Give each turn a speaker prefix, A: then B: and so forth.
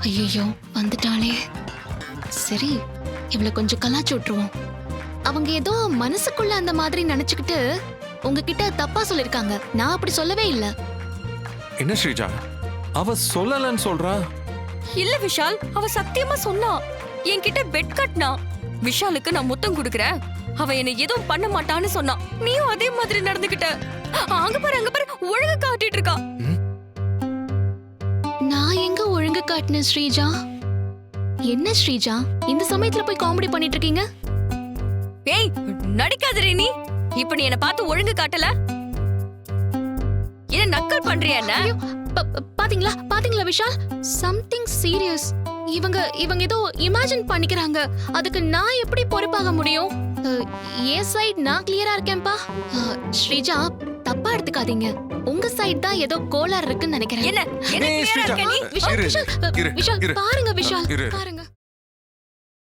A: ஐயோ வந்துட்டாளே. சரி, இவளை கொஞ்சம் கலாச்சு விட்டுருவோம். அவங்க ஏதோ மனசுக்குள்ள அந்த மாதிரி நினைச்சுக்கிட்டு உங்ககிட்ட தப்பா சொல்லிருக்காங்க. நான் அப்படி சொல்லவே இல்ல.
B: என்ன ஸ்ரீஜா, அவ சொல்லலன்னு சொல்றா?
C: இல்ல விஷால், அவ சத்தியமா சொன்னா. என்கிட்ட பெட் கட்டினா. விஷாலுக்கு நான் முத்தம் கொடுக்கறேன், அவ என்ன எதுவும் பண்ண மாட்டான்னு சொன்னா. நீயும் அதே மாதிரி நடந்துகிட்ட. அங்க பாரு ஒழுங்கு காட்டிட்டு இருக்கா.
A: நான் எங்க ஒழுங்கு காட்டினேன் ஸ்ரீஜா? என்ன ஸ்ரீஜா இந்த சமயத்துல போய் காமெடி பண்ணிட்டு இருக்கீங்க?
C: ஏய், நடிக்காதே நீ. இப்ப நீ என்ன பார்த்து ஒழுங்கு காட்டல, என்ன நக்கல் பண்றியா? என்ன
A: பாத்தீங்களா விஷால், சம்திங் சீரியஸ். இவங்க ஏதோ இமேஜின் பண்ணிக்கிறாங்க. அதுக்கு நான் எப்படி பொறுப்பாக முடியும்? என் சைடு நான் கிளியரா இருக்கேன்பா. ஸ்ரீஜா தப்பா எடுத்துக்காதீங்க. உங்க சைடு தான் ஏதோ கோளாறு இருக்குன்னு நினைக்கிறேன்.
C: என்ன என்ன
B: ஏய்,
C: clear-ஆ
B: ஸ்ரீஜா,
C: இருக்க நீ?
A: விஷால்
B: இரு,
A: விஷால்
B: இரு,
A: விஷால்
B: இரு.
A: பாருங்க விஷால்
B: இரு.
A: பாருங்க.